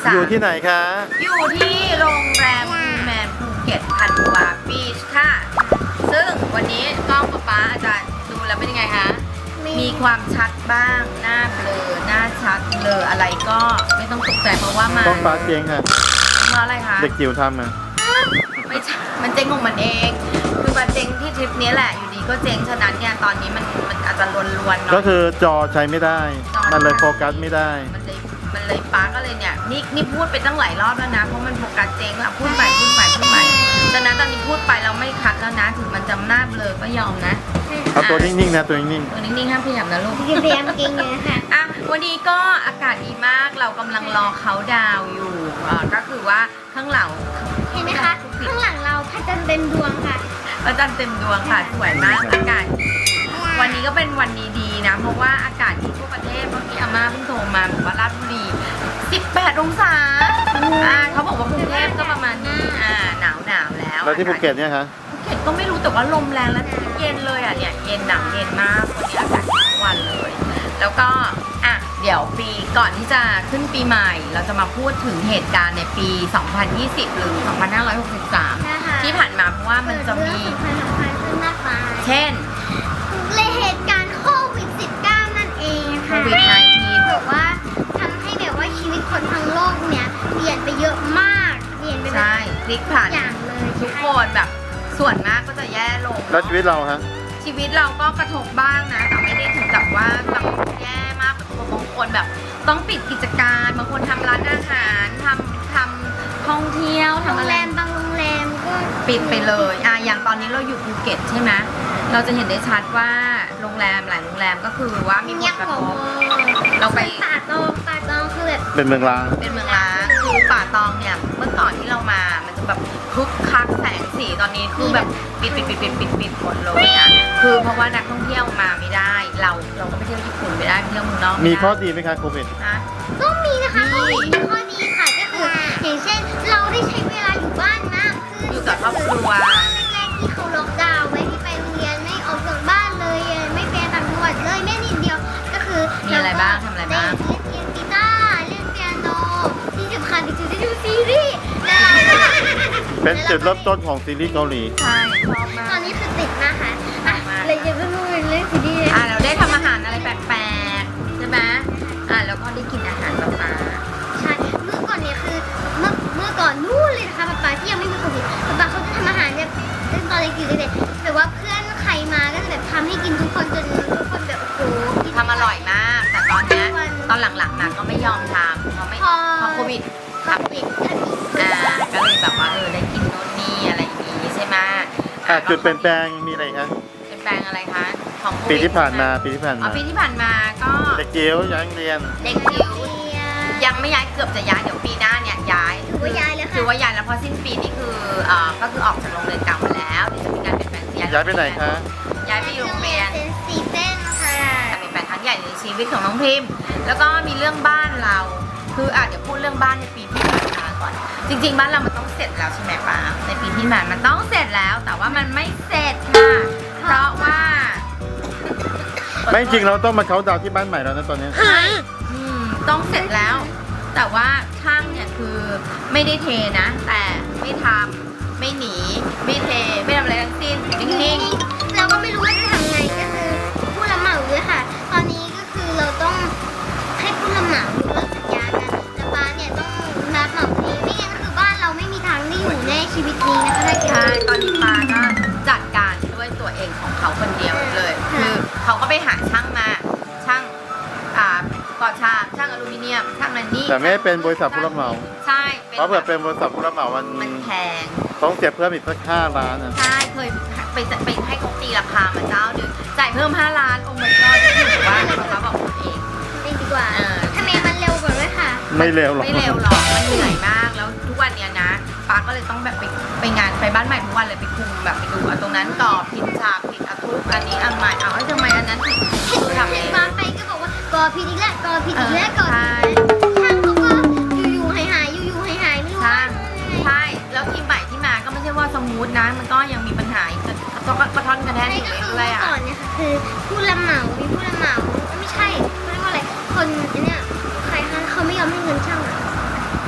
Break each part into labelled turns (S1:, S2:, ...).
S1: อยู่ที่ไหนคะ
S2: อยู่ที่โรงแรมพูแมนภูเก็ตพันวาบีชค่ะ ซึ่งวันนี้กล้องป๊าอาจารย์ดูแล้วเป็นยังไงคะ มีความชัดบ้าง หน้าเบลอ หน้าชัดเบลออะไรก็ไม่ต้องตกใจเพราะว่ามัน
S1: ต้องฟ้าเจ๊งค่ะ
S2: เพราะอะไรคะ
S1: เด็กจิ๋วทำอ่ะ
S2: ไม่ใช่มันเจ๊งของมันเอง คือมันเจ๊งที่ทริปนี้แหละ อยู่ดีก็เจ๊ง ฉะนั้นเนี่ยตอนนี้มันอาจจะลวนๆหน่อย
S1: ก็คือจอใช้ไม่ได้ มันเลยโฟกัสไม่ได้
S2: มันเลยป้าก็เลยเนี่ยนี่พูดไปตั้งหลายรอบแล้วนะ เพราะมันโฟกัสเจ๊งอะพูดไปฉะนั้นตอนนี้พูดไปเราไม่คัดแล้วนะ ถึงมันจำหน้าเบลอก็ยอมนะ
S1: เอาตัวนิ่งๆนะตัวนิ่ง
S2: ตัวนิ่งๆห้ามขยับนะลูก
S3: พยายามเก่งเลยค่ะ
S2: อ่ะวันนี้ก็อากาศดีมากเรากำลังรอเขาดาวน์อยู่ก็คือว่าข้างหลัง
S3: เห็นไหมคะ ข้างหลังเราพระจันทร์เต็มดวงค่ะ
S2: พระจันทร์เต็มดวงค่ะสวยมากอากาศวันนี้ก็เป็นวันดีๆนะเพราะว่าอากาศที่ทั่วประเทศเมื่อกี้อาม่าเพิ่งโทรมาบอกว่าราชบุรี18 องศาเขาบอกว่ากรุงเทพก็ประมาณนี้หนาวแล้ว
S1: ๆ แล้วที่ภูเก็ตเนี่ยคะ
S2: ภูเก็ตก็ไม่รู้แต่ว่าลมแรงและเย็นเลยอ่ะเนี่ยเย็นหนักเย็นมากวันนี้อากาศดีทุกวันเลย แล้วก็เดี๋ยวปีก่อนที่จะขึ้นปีใหม่ เราจะมาพูดถึงเหตุการณ์ในปี 2020 หรือ 2563 ที่ผ่านมาเพราะว่ามันจะมี
S3: สำคัญขึ้นมากมาย
S2: เช่น
S3: เลยเหตุการณ์โควิด -19 นั่นเอง
S2: โค
S3: ค่ะ
S2: วิด -19
S3: แบบว่าทำให้แบบว่าชีวิตคนทั้งโลกเนี่ยเปลี่ยนไปเยอะมากเปลี่ยนไปแบบ
S2: ใช่พลิกผัน
S3: อย่างเลย
S2: ทุกคนแบบส่วนมากก็จะแย่ลง
S1: แล้วชีวิตเราฮะ
S2: ชีวิตเราก็กระทบบ้างนะ แต่ไม่ได้ถึงกับว่าแบบแย่มากแบบบางคนแบบต้องปิดกิจการบางคนทำร้านอาหารทำท่องเที่ยว
S3: โร
S2: ทำ
S3: ง
S2: อะไร
S3: แรมบางโรงแรมก็
S2: ปิดไปเลยอย่างตอนนี้เราอยู่ภูเก็ตใช่ไหมเราจะเห็นได้ชัดว่าโรงแรมหลายโรงแรมก็คือว่ามีผ
S3: เงี
S2: ล
S3: ยบ
S2: กระ
S3: ก
S2: ท
S3: ว่า
S2: บ เราไป
S3: ป่าตองคือแบบ
S1: เป็นเมืองร้าง
S2: เป็นเมืองร้างคือป่าตองเนี่ยเมื่อก่อนที่เรามามันจะแบบคึกคักแสงสีตอนนี้คือแบบปิดหมดเลยนะคือเพราะว่านักท่องเที่ยวมาไม่ได้ เราก็ไปเที่ยวญี่ปุ่นไม่ได้ไปเที่ยวเมืองนอกไได้
S1: มีข้อดีไหมคะโควิด
S2: นะ
S3: ก็มีนะคะ
S2: มี
S3: มีข้อดีค่ะก็คืออย่างเช่นเราได้ใช้เวลาอยู่บ้านมากขึ้น
S2: อยู่กับครอบครัว
S3: แรกๆที่เขาล็อกดาวน์ไม่ให้ไปโรงเรียนไม่ออกจากบ้านเลยไม่ไปต่างจังหวัดเลยแม่นิดเดียวก็คือ
S2: มีอะไรบ้างทำอะไรบ้าง
S3: เล่นกีตาร์เล่นเปียโนที่สำคัญที่สุดได้ดูซีรีส์แล้วเราก็
S1: เป็นจุดเริ่มต้นของซีรีส์เกาหลี
S2: ใช่ชอบมา
S3: ตอก นนี้คือติดมากค่ะอ่ะ
S2: มาก
S3: เลยจะไม่พูดเรื่องซีรีส์เลย
S2: เราได้ทำอาหารอะไรแปลกๆใช่ไหมแล้วก็ได้กินอาหารแบบมา
S3: ใช่เมื่อก่อนเนี่ยคือเมื่อก่อนนู่นเลยนะคะป๊าที่ยังไม่มีโควิดป๊าเขาจะทำอาหารแบบตั้งตอนเล็กอยู่เลยแต่ว่าเพื่อนใครมาก็จะแบบทำให้กินทุกคนจนทุกคนแบบโอ้โหกิน
S2: ทำอร่อยมาก แต่ตอนเนี้ยตอนหลังๆมาก็ไม่ยอมทำเพราะไม่พอโควิด
S3: ทำปิดทำอีก
S2: ก็เลยแบบว่าได้กินโน่นนี่อะไรอย่างงี้ใช่ไหม
S1: จุดเปลี่ยนแปลงมีอะไรคะ
S2: เปลี่ยนแปลงอะไรคะของโควิด
S1: ปีที่ผ่านมา
S2: ปีที่ผ่านมาก็
S1: เด็กจิ๋วย้ายโรงเรียน
S2: เด็กจิ๋วยังไม่ย้ายเกือบจะย้ายเดี๋ยวปีหน้าเนี่ยย้าย
S3: ถือว่าย้ายแล้ว
S2: ถื
S3: ค่ะ
S2: อว่าย้ายแล้วเพราะสิ้นปีนี่คือก็คือออกจากโรงเรียนเก่ามาแล้วเดี๋ยวจะมีการเปลี่ยนแปลง
S1: ย้ายไปไหนคะ
S2: ย้ายไปอยู่โรงเรียน
S3: เซนซีเส้นค่ะ
S2: แต่เป็นแปลงครั้งใหญ่ในชีวิตของน้องพิมพ์แล้วก็มีเรื่องบ้านเรา คืออาจจะพูดเรื่องบ้านในปีที่ผ่านมาก่อน จริงๆบ้านเรามันต้องเสร็จแล้วใช่ไหมป้าในปีที่ผ่านมันต้องเสร็จแล้ว แต่ว่ามันไม่เสร็จค่ะเพราะว่า
S1: ไม่จริงเราต้องมาเขาน์ดาวน์ที่บ้านใหม่แล้วนะตอนนี้
S2: ต้องเสร็จแล้ว แต่ว่าช่างเนี่ยคือไม่ได้เทนะ แต่ไม่ทำไม่หนีไม่เทไม่ทำอะไรทั้งสิ้นนิ่ง
S3: เราก็ไม่รู้ว่าจะทำไงก็คือผู้รับเหมาด้วยค่ะ ตอนนี้ก็คือเราต้องให้ผู้รับเหมายกเลิกสัญญากันแต่ป้าเนี่ยต้องรับเหมาเองไม่งั้นคือบ้านเราไม่มีทางได้อยู่ในชีวิตนี้นะคะถ้าเกิด
S2: ใช่ตอนนี้ป้าก็จัดการด้วยตัวเองของเขาคนเดียวเลย คือเขาก็ไปหาช่างมาช่างก่อฉากช่างอลูมิเนียมช่างอะไรนี่
S1: แต่ไม่ให้เป็นบริษัทผู้รับเหมา
S2: ใช่
S1: เพราะเผื่อเป็นบริษัทผู้รับเหมามัน
S2: แพง
S1: ต้องเสียเพิ่มอีกสัก5 ล้านนะ
S2: ใช่เคยไปให้เขาตีราคามาเจ้าหนึ่งจ่ายเพิ่ม5 ล้านองค์มันก็จะถือว่าเขาบอกตัวเอง
S3: ดีกว่าทำไมมันเร็วกว่าด้วยค่ะ
S1: ไม่เร็วหรอก
S2: ไม่เร็วหรอกมันเหนื่อยมากแล้วทุกวันเนี้ยนะป้าก็เลยต้องแบบไปงานไปบ้านใหม่ทุกวันเลยไปคุมแบบไปดูตรงนั้นต่อผิดฉากผิดทุกอันนี้อันใหม่ทำไมอันนั้นผิดคือทำเอง
S3: ป้าไปก็บอกว่าก่อผิดอีกแล้วก่อผิดอีกแล้วก่อผิด
S2: ใช่
S3: ช่างเขาก็อยู่ๆหายอยู่ๆหายไม่รู้
S2: ช่างใช่แล้วทีมใหม่ที่มาก็ไม่ใช่ว่าสมูทนะมันก็ยังมีปัญหาอีกก็กระท่อนกระแทก
S3: ใช่
S2: อยู่
S3: ก็คือ
S2: เรื่
S3: เมื่
S2: อยๆอ่ะ
S3: อก่อนเนี่ยค่ะคือผู้รับเหมามีผู้รับเหมาไม่ใช่เขาเรียกว่าอะไรคนเนี่ยใครคะเขาไม่ยอมให้เงินช่างอะ
S2: ฮะ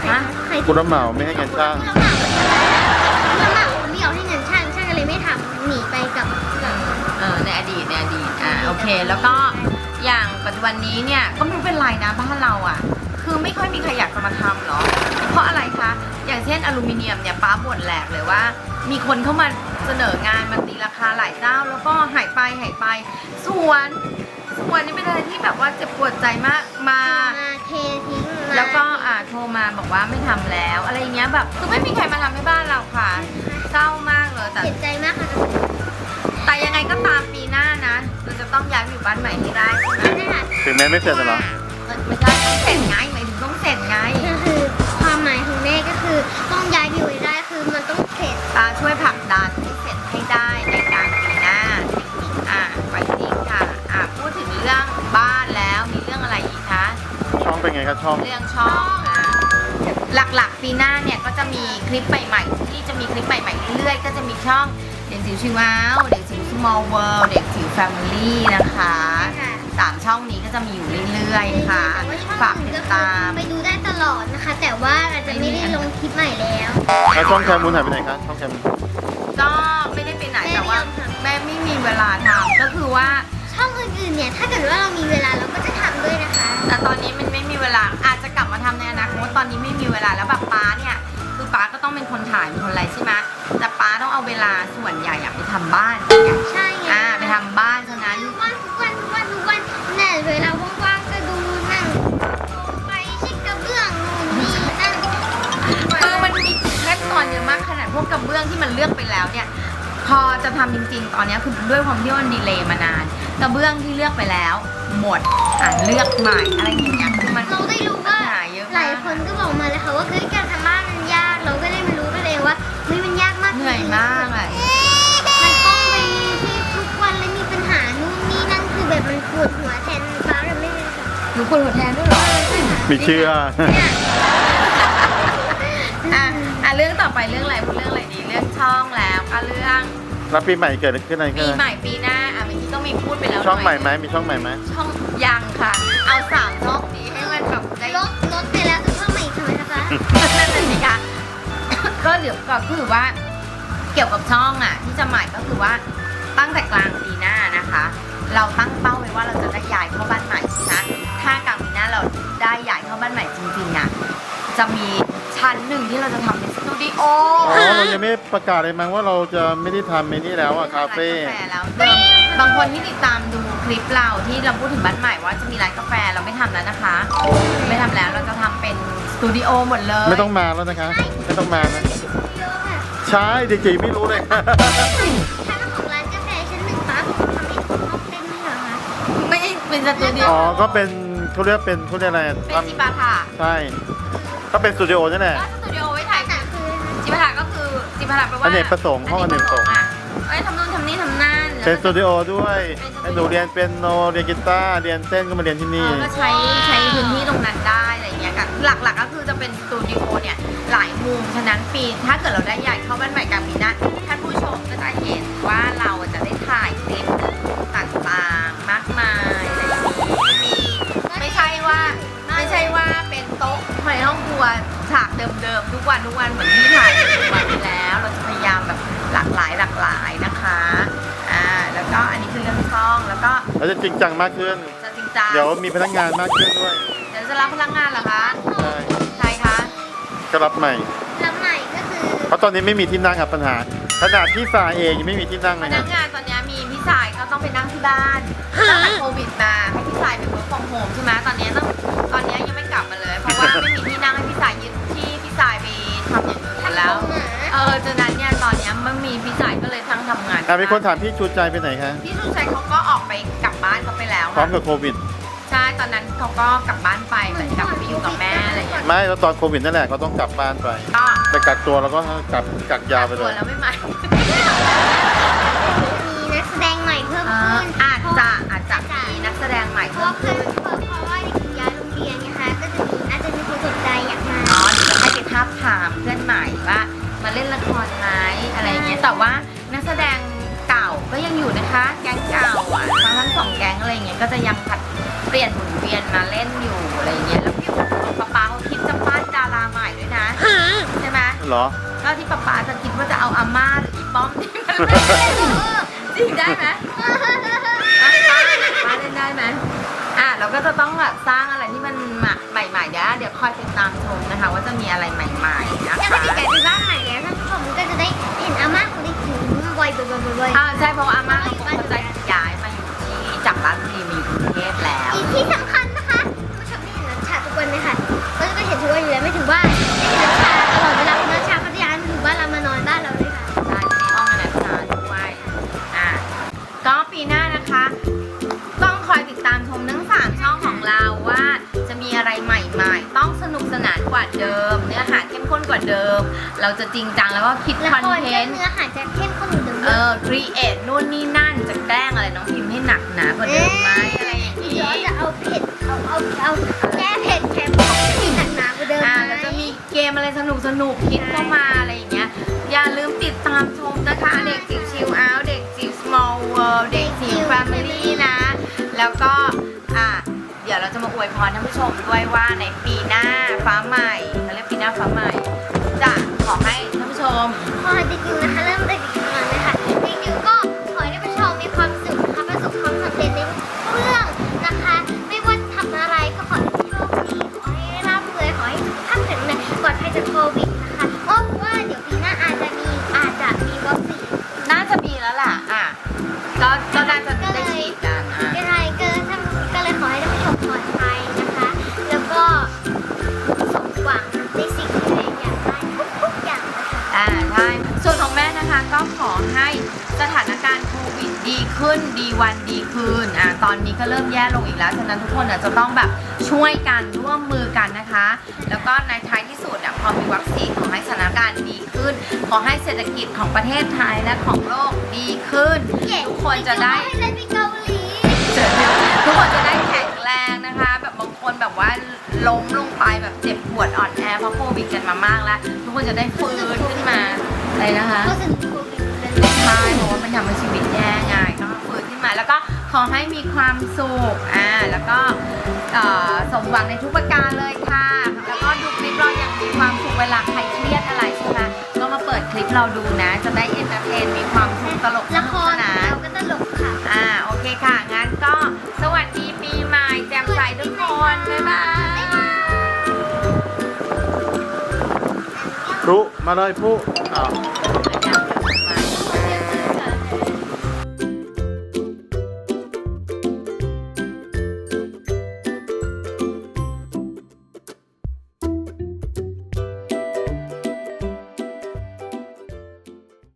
S3: ใครที่
S1: ผู้รับเหมาไม่ให้เงินช่าง
S3: ผู้รับเหมาไม่ยอมให้เงินช่างก็เลยไม่ทำหนีไปกับ
S2: ในอดีตโอเค แล้วก็อย่างปัจจุบันนี้เนี่ยก็ไม่รู้เป็นไรนะบ้านเราอ่ะ คือไม่ค่อยมีใครอยากจะมาทำหรอเพราะอะไรคะอย่างเช่นอลูมิเนียมเนี่ยป้าบ่นแหลกเลยว่า มีคนเข้ามาเสนองานมาตีราคาหลายเจ้าแล้วก็หายไปส่วนนี่เป็นอะไรที่แบบว่าเจ็บปวดใจมากมา
S3: เททิ้งมา
S2: แล้วก็โทรมาบอกว่าไม่ทำแล้วอะไรอย่างเงี้ยแบบคือไม่มีใครมาทำให้บ้านเราค่ะเศร้ามากเลยแต่
S3: เสียใจมากค่ะ
S2: แต่ยังไงก็ตามปีหน้านะเราจะต้องย้ายไปอยู่บ้านใหม่ให้ได้ใช่ไหม
S3: นั่นแหละ
S1: ถึงแม้ไม่เสร็จหรอ
S2: ไม่ใช่ต้องเสร็จไงหมายถึงต้องเสร็จไง
S3: ก็คือความหมายของแม่ก็คือต้องย้ายไปอยู่ให้ได้คือมันต้องเสร็จ
S2: ตาช่วยผลักดันให้เสร็จให้ได้ในกลางปีหน้าไปนี้ค่ะพูดถึงเรื่องบ้านแล้วมีเรื่องอะไรอีกคะ
S1: ช่องเป็นไงครับช่อง
S2: เรื่องช่องหลักๆปีหน้าเนี่ยก็จะมีคลิปใหม่ๆที่จะมีคลิปใหม่ๆเรื่อยๆก็จะมีช่องเด็กจิ๋วชิวาวเด็กจิ๋ว small world เด็กจิ๋ว family นะคะ3ช่องนี้ก็จะมีอยู่เรื่อยๆค่ะฝากติดตาม
S3: ไปดูได้ตลอดนะคะ แต่ว่าอาจจะไม่ได้ลงคลิปใหม่แล้ว
S1: แล้วช่องแคมูลหายไปไหนคะช่องแคมูล
S2: ก็ไม่ได้ไปไหนแต่ว่าแม่ไม่มีเวลาทำก็คือว่า
S3: ช่องอื่นๆเนี่ยถ้าเกิดว่าเรามีเวลาเราก็จะทำด้วยนะคะ
S2: แต่ตอนนี้มันไม่มีเวลาอาจจะกลับมาทำในอนาคตตอนนี้ไม่มีเวลาแล้วแบบป้าเนี่ยคือป้าก็ต้องเป็นคนถ่ายเป็นคนอะไรใช่ไหมแต่ป้าต้องเอาเวลาส่วนใหญ่ไปทำบ้าน
S3: ใช่ไง
S2: ไปทำบ้านฉะนั้น
S3: ทุกวันเนี่ยเวลาว่างๆก็ดูนั่งไปเช็คกระเบื้องนู่นนี่นั่น
S2: คือมันมีขั้นตอนเยอะมากขนาดพวกกระเบื้องที่มันเลือกไปแล้วเนี่ยพอจะทำจริงๆ ตอนนี้คือด้วยความที่มันดีเลย์มานานกระเบื้องที่เลือกไปแล้วหมดเลือกใหม่อะไรอย่างเงี้ยคือมัน
S3: เราได้รู้ว่า
S2: หาเยอะ
S3: หลาม
S2: าย ก
S3: คนก็บอกมาเลยค่ะว่าเฮ้ยการทำบ้านมันยากเราก็ได้มารู้กันเลยว่าเฮ้ยมันยากมาก
S2: เหนื่อยมากอ่ะ
S3: มันต้องไปที่ทุกวันแล้วมีปัญหานู่นนี่นั่นคือแบบมันปวดหัวแทนฟ้าเราไม่เลยค่ะ
S2: หนูปวดหัวแทนด้วยเหรอ
S1: มีเชื่อ
S2: เรื่องต่อไปเรื่องอะไรพูดเรื่องอะไรดีเรื่องช่องแล้วก็เรื่อง
S1: แล้วปีใหม่เกิดอะไรขึ้นอะไร
S2: ปี
S1: ขึ้น
S2: ใหม่ปีหน้าเมื่อกี้ต้องมีพูดไปแล้ว
S1: ช่องใหม่
S2: น่ย
S1: ไหมมีช่องใหม่ไหม
S2: ช่องยังค่ะ เอา3ช่องนี้ให้มันแบบได้
S3: รถไปแล้วจะเพิ่มมาอีกทำไมคะ
S2: นั่นน่ะสิคะก็เดี๋ยวก็คือว่าเกี่ยวกับช่องที่จะใหม่ก็คือว่าตั้งแต่กลางปีหน้านะคะ เราตั้งเป้าไว้ว่าเราจะได้ย้ายเข้าบ้านใหม่นะถ้ากลางปีหน้าเราได้ย้ายเข้าบ้านใหม่จริงๆจะมีชั้นหนึ่งที่เราจะทำเป็นสตูดิโอ
S1: เรายังไม่ประกาศเลยมั้งว่าเราจะไม่ได้ทำไอ้นี่แล้วคาเฟ่
S2: ร้านกาแฟแล้วบางคนที่ติดตามดูคลิปเราที่เราพูดถึงบ้านใหม่ว่าจะมีร้านกาแฟเราไม่ทำแล้วนะคะ ไม่ทำแล้วเราจะทำเป็นสตูดิโอหมดเลย
S1: ไม่ต้องมาแล้วนะคะไม่ต้องมานะ
S3: เยอะค่ะ
S1: ใช่เด็กๆไม่รู้เลย
S3: ชั้นของร้านกาแฟชั้นหนึ่งป้าผมทำให้ห้องเต้นไม่เหรอคะ
S2: ไม่ใช่เป็นสตูดิโอ
S1: อ๋อก็เป็นเขาเรียกอะไร
S2: เป็นจิปาถะ
S1: ใช่ก็เป็นสตูดิโอนั่นแหละ
S2: ก็สตูดิโอไว้ถ่าย
S3: แต่คือ
S2: จิปาถะก็คือจิปาถะแปลว่า
S1: อเนกประสงค์ห้องอเนกประสงค์
S2: ทำนู่นทำนี่ทำนั่น
S1: เป็นสตูดิโอด้วยให้หนูเรียนเป็นโนเรียนกีตาร์เรียนเต้นก็มาเรียนที่นี่
S2: ก็ใช้พื้นที่ตรงนั้นได้อะไรเงี้ยหลักๆก็คือจะเป็นสตูดิโอเนี่ยหลายมุมฉะนั้นปีถ้าเกิดเราได้ย้ายเข้าบ้านใหม่กลางปีหน้าท่านผู้ชมก็จะเห็นว่าเราจะได้ถ่ายคลิปต่างๆมากมายอะไรอย่างนี้มีไม่ใช่ว่าเป็นโต๊ะในห้องครัวฉากเดิมๆทุกวันเหมือนที่ถ่ายทุกวันนี้แล้วเราจะพยายามแบบหลากหลายนะคะแล้วก็อันนี้คือเรื่องช่องแล้วก็
S1: แล้วจะจริงจังมากขึ้น
S2: จะจริงจัง
S1: เดี๋ยวมีพนักงานมากขึ้นด้วย
S2: เดี๋ยวจะรับพนักงานเหรอคะ
S1: ใช่
S2: ใครคะ
S1: ก็รับใหม่
S3: รับใหม่ก็คือ
S1: เพราะตอนนี้ไม่มีที่นั่งครับปัญหาขนาดที่สาเองยังไม่มีที่นั่ง
S2: พ
S1: เลย
S2: นั
S1: นะ
S2: กงานตอนนี้มีพี่สายก็ต้องไปนั่งที่บ้านตั้งแต่โควิดมาให้พี่สายเป็น work from home ใช่ไหมตอนนี้ยังไม่กลับมาเลย เพราะว่าไม่มีที่นั่งให้พี่สายยึดที่พี่สายไปทำอย่างอื่นแล้วฉะนั้นเนี่ยตอนนี้ไม่มีพี่สายก็เลยทั้งทำงาน
S1: มีคนถามพี่ชูใจไปไหนคะ
S2: พี่สุชัยเขาก็ออกไปกลับบ้านเขาไปแล้ว
S1: พร้อ
S2: ค่ะ
S1: มกับโควิด
S2: ใช่ตอนนั้นเขาก็กลับบ้านไปเหมือนกลับไปอยู่กับแม่อะไรอย่างเงี้ย
S1: ไม่แล้วตอนโควิดนั่นแหละเขาต้องกลับบ้านไป
S2: ก็
S1: ไปกักตัวแล้วก็กักยาวไปเล
S2: ตัวย แล้วไม่มา
S3: มีนักแสดงใหม่เพิ่มขึ้น
S2: อาจจะมีนักแสดงใหม่
S3: เพ
S2: เพิ่
S3: ราะ
S2: มขึ้น
S3: ว่าเด็กหญิงย้ายโรงเรียนนะคะก็อาจจะมีคนสนใจอยากมา
S2: เนาะเดี๋ยวจะให้ไปทับถามเพื่อนใหม่ว่ามาเล่นละครไหมอะไรอย่างเงี้ยแต่ว่านักแสดงเก่าก็ยังอยู่นะคะแก๊งเก่าทั้งสองแก๊งอะไรอย่างเงี้ยก็จะยังผัดเปลี่ยนหมุนเวียนมาเล่นอยู่อะไรอย่างเงี้ยแล้วพี่อุ๋มป๊าเขาคิดจะปั้นดาราใหม่ด้วยนะ
S1: เหรอ
S2: ก็ที่ป๊าจะคิดว่าจะเอาอาม่าหรืออีป้อมที่มันเล่นจริงได้ไหมป้าเล่นได้ไหมเราก็จะต้องแบบสร้างอะไรที่มันใหม่ๆเดี๋ยวคอยติดตามชมนะคะ ว่าจะมีอะไรใหม่ๆนะ
S3: แล้ว
S2: คะ
S3: ถ้าพี่ไก่ไปบ้านใหม่แล้วท่านผู้ชมก็จะได้เห็นอาม่าของเด็กหญิงบ่อยๆ
S2: ใช่เพราะว่าอาม่าเขาคงจะย้ายมาอยู่ที่จากราชบุรีมาอยู่กรุงเทพแล้ว
S3: อีกที่สำคัญนะคะท่านผู้ชมได้เห็นนัชชาทุกวันไหมคะก็จะเห็นทุกวันอยู่แล้วไม่ถึงบ้านได้เห็นนัชชาตลอดเวลานัชชาเขาจะย้ายมาถึงบ้านเรามานอนบ้านเราเลยค่ะ
S2: ใช่ที่ห้องอนาชาด้วยก็ปีหน้านะคะ ต้องคอยติดตามชมทั้ง3ช่องของเราว่าจะมีอะไรใหม่ๆ ต้องสนุกสนานกว่าเดิม เนื้อหาเข้มข้นกว่าเดิม เราจะจริงจังแล้วก็คิด
S3: ละ
S2: คอน
S3: คร
S2: เท
S3: ก็
S2: นต์
S3: เนื้อหาจะเข้มข้นเหมือนเดิม
S2: ครีเอทนู่นนี่นั่นจะแกล้งอะไรน้องพิมพ์ให้หนักหนากว่าเดิมไหมอะไรอย่างนี้
S3: เดี๋ยวจะเอาเผ็ดเอาแก้เผ็ดแคมมีหนักหนากว่าเดิมไหม
S2: แล้วจะมีเกมอะไรสนุกคิดเข้ามาอะไรอย่างเงี้ยอย่าลืมติดตามชมนะคะเด็กจิ๋วชิลเอาท์เด็กจิ๋ว small world เด็กจิ๋ว family นะ แล้วก็เดี๋ยวเราจะมาอวยพรท่านผู้ชมด้วยว่าในปีหน้าฟ้าใหม่เขาเรียกปีหน้าฟ้าใหม่ จะขอให้ท่านผู้ชม
S3: พอเด็กจิ๋วนะคะเริ่มเด็กจิ๋วก่อนเลยค่ะเด็กจิ๋วก็ขอให้ท่านผู้ชมมีความสุขนะคะประสบความสำเร็จในทุกเรื่องนะคะ ไม่ว่าทำอะไรก็ขอให้โชคดีขอให้ร่ำรวยขอให้สุขภาพแข็งแรงปลอดภัยจากโควิดนะคะเพราะว่าเดี๋ยวปีหน้าอาจจะมีวัคซีน
S2: น่าจะมีแล้วล่ะก็น่าจะได้ฉีดกัน
S3: ก็เลยขอให้ท่านผู้ชมปลอดภัยนะคะ แล้วก็สมหวังในสิ่งที่ตัวเองอยากได้ทุกอย่างนะคะ
S2: ใช่ส่วนของแม่นะคะก็ขอให้สถานการณ์โควิดดีขึ้นดีวันดีคืนตอนนี้ก็เริ่มแย่ลงอีกแล้วฉะนั้นทุกคนจะต้องแบบช่วยกันร่วมมือกันนะคะ แล้วก็ในท้ายที่สุดพอมีวัคซีนขอให้สถานการณ์ดีขึ้น ขอให้เศรษฐกิจของประเทศไทยและของโลกดีขึ้น ทุกคนจะได้
S3: ให้เล่นไปเกาหลี
S2: ทุกคนจะได้แข็งแรงนะคะ แบบบางคนแบบว่าล้มลงไปแบบเจ็บปวดอ่อนแอเพราะโควิดกันมามากแล้ว ทุกคนจะได้ฟื้นขึ้นมาอะไรนะคะ
S3: ก็สนุกโควิดเลย
S2: ใช่เพราะว่ามันทำให้ชีวิตแย่ไงก็ฟื้นขึ้นมา แล้วก็ขอให้มีความสุขแล้วก็สมหวังในทุกประการเลยค่ะ แล้วก็ดูคลิปเราอย่างมีความสุขเวลาใครเครียดอะไรใช่ไหมก็มาเปิดคลิปเราดูนะ จะได้เอนเตอร์เทนมีความสุขตลกส
S3: ละ
S2: นุ
S3: ค
S2: ก
S3: ร
S2: สนาน
S3: เราก็ตลกค่ะ
S2: โอเคค่ะ งั้นก็สวัสดีปีใหม่แจ่มใสทุกคน บ๊ายบาย
S1: พลุมาเลยพลุ